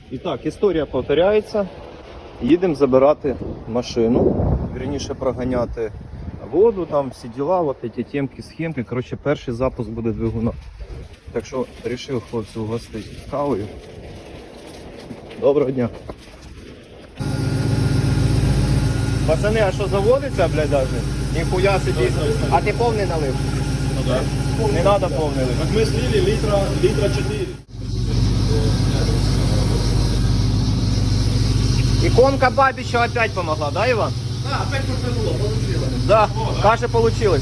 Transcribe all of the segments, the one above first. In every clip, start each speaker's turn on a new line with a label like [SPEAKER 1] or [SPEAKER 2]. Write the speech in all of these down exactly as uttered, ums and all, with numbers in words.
[SPEAKER 1] І так, історія повторяється. Їдемо забирати машину, вірніше проганяти воду, там всі діла, от ці темки, схемки. Коротше, перший запуск буде двигуна. Так що вирішив хлопців угостити кавою. Доброго дня. Пацани, а що заводиться, блядь, даже? Ніхуя собі. А ти повний налив?
[SPEAKER 2] Ну да.
[SPEAKER 1] Не треба повний лив.
[SPEAKER 2] Так мы слили литра, литра четыре.
[SPEAKER 1] Иконка Бабича опять помогла, да, Иван?
[SPEAKER 2] Да, опять крутануло, получилось.
[SPEAKER 1] Да,
[SPEAKER 2] О, да.
[SPEAKER 1] каша получилась.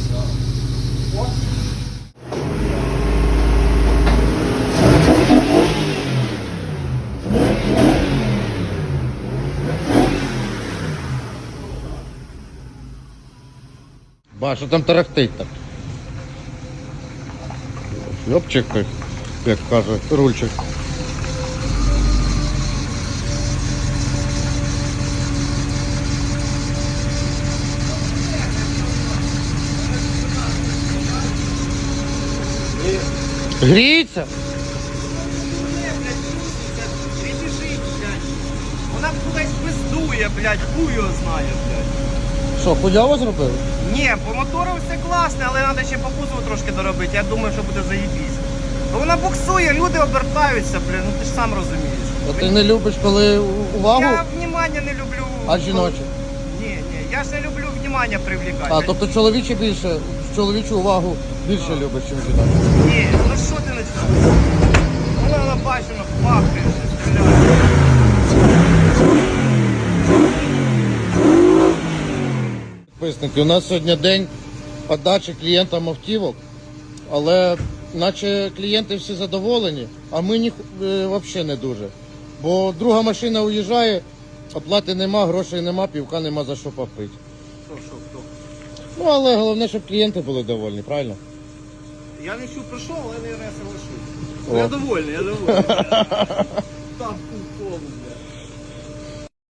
[SPEAKER 3] Ба, що там тарахтить так? Шльопчик, як каже, рульчик. Гріється?
[SPEAKER 1] Вона кудись пиздує, блядь, хуй його знає, блядь.
[SPEAKER 3] Що, хуйово зробили?
[SPEAKER 1] Ні, по мотору все класне, але треба ще по кузову трошки доробити. Я думаю, що буде заєбісь. Бо вона буксує, люди обертаються, блін, ну ти ж сам розумієш.
[SPEAKER 3] А ти не любиш, коли увагу?
[SPEAKER 1] Я внимання не люблю.
[SPEAKER 3] А жіноче?
[SPEAKER 1] Ні, ні, я ж не люблю внимання привлікати.
[SPEAKER 3] А, тобто чоловіче більше, чоловічу увагу більше любиш, ніж жіночу.
[SPEAKER 1] Ні, ну що ти починаєш? Вона набачена, пахне, стріляє.
[SPEAKER 3] Підписники, у нас сьогодні день подачі клієнтам автівок, але наче клієнти всі задоволені, а ми ні, е, взагалі не дуже. Бо друга машина уїжджає, оплати нема, грошей нема, півка нема за що попити.
[SPEAKER 1] Що, що, хто?
[SPEAKER 3] Ну, але головне, щоб клієнти були довольні, правильно?
[SPEAKER 1] Я не чув, прийшов, але не соглашусь.
[SPEAKER 3] О.
[SPEAKER 1] Я довольний, я довольний. Там кул повний, бля.